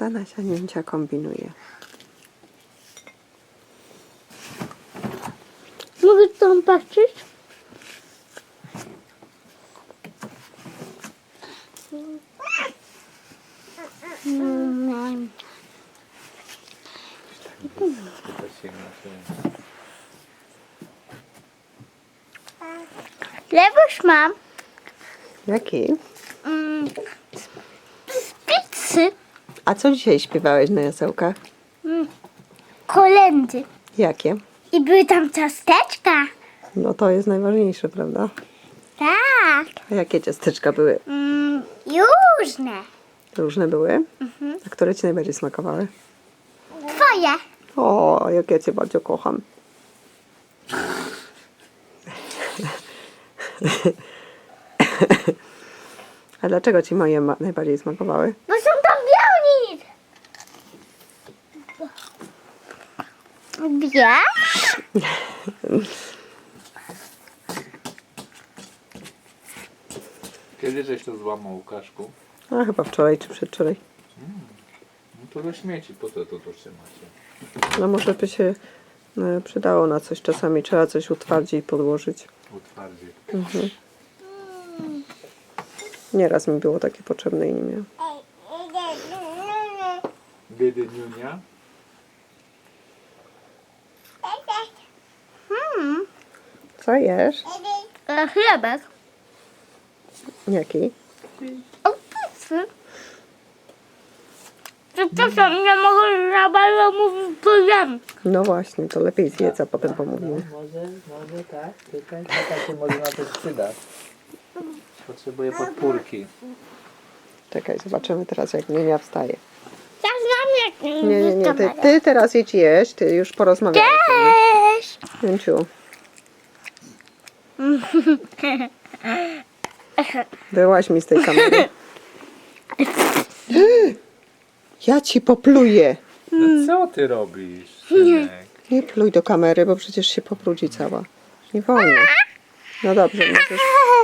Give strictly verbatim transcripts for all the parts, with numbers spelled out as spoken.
Ta Nasia Niuncia kombinuje. Mogę tam patrzeć? Mm. Lewoż mam Jaki? mm, z pizzy A co dzisiaj śpiewałeś na jasełkach? mm, kolędy. Jakie? I były tam ciasteczka. No to jest najważniejsze, prawda? Tak. A jakie ciasteczka były? Mm, różne. Różne były? A które ci najbardziej smakowały? Twoje. O, jak ja cię bardzo kocham. A dlaczego ci moje ma- najbardziej smakowały? Bo są tam białni. Wiesz? Kiedy żeś to złamał, Łukaszku? A chyba wczoraj czy przedwczoraj. No to do śmieci, po co to tu trzymacie? No może by się e, przydało na coś. Czasami trzeba coś utwardzić i podłożyć. Utwardzie. Mhm. Nieraz mi było takie potrzebne i nie miałam. Biedy Niunia? Hmm. Co jesz? E, chlebek. Jaki? O pizzy. Przepraszam, nie mogę za bardzo mówić, bo wiem. No właśnie, to lepiej zjedz, a potem pomówimy. Może, może tak, czekaj, tata się może na to przyda. Potrzebuję podpórki. Czekaj, zobaczymy teraz, jak Niunia wstaje. Ja znam jak Nie, nie, nie, ty, ty teraz idź jeść, ty już porozmawiałeś. Cześć. Niunciu, wyłaź mi z tej kamery. Ja ci popluję. No co ty robisz, synek? Nie pluj do kamery, bo przecież się pobrudzi cała. Nie wolno. No dobrze, możesz...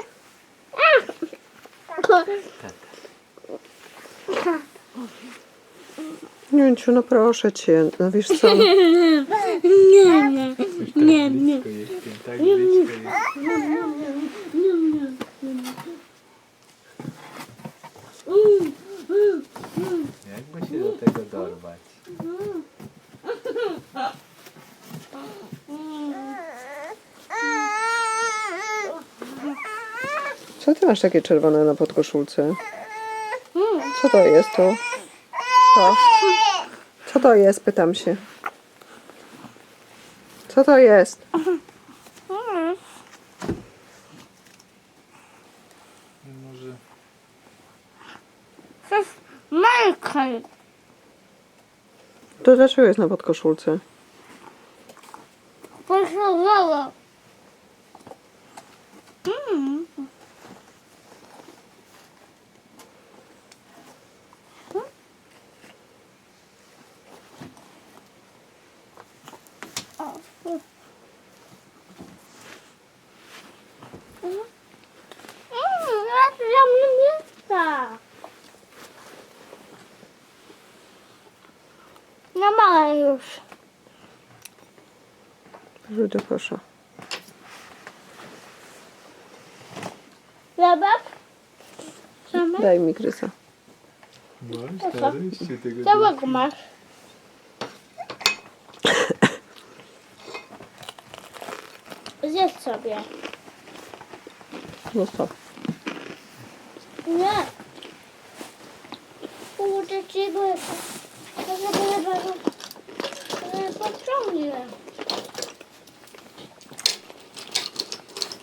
Niunciu, no proszę cię, no wiesz co? Nie, nie, nie, nie. Blisko jestem, tak blisko jestem. Jakby się do tego dorwać? Co ty masz takie czerwone na podkoszulce? Co to jest to? To? Co to jest, pytam się. Co to jest? Może... To jest Michael. To dlaczego jest na podkoszulce? Posłowało. Mm. No małe już. Rzuć do kosza. Zabab? Zamek? Daj mi gryza. No, stary, się tego Całego masz. Zjedz sobie. Zostaw. Nie. Kurde ci go. To żeby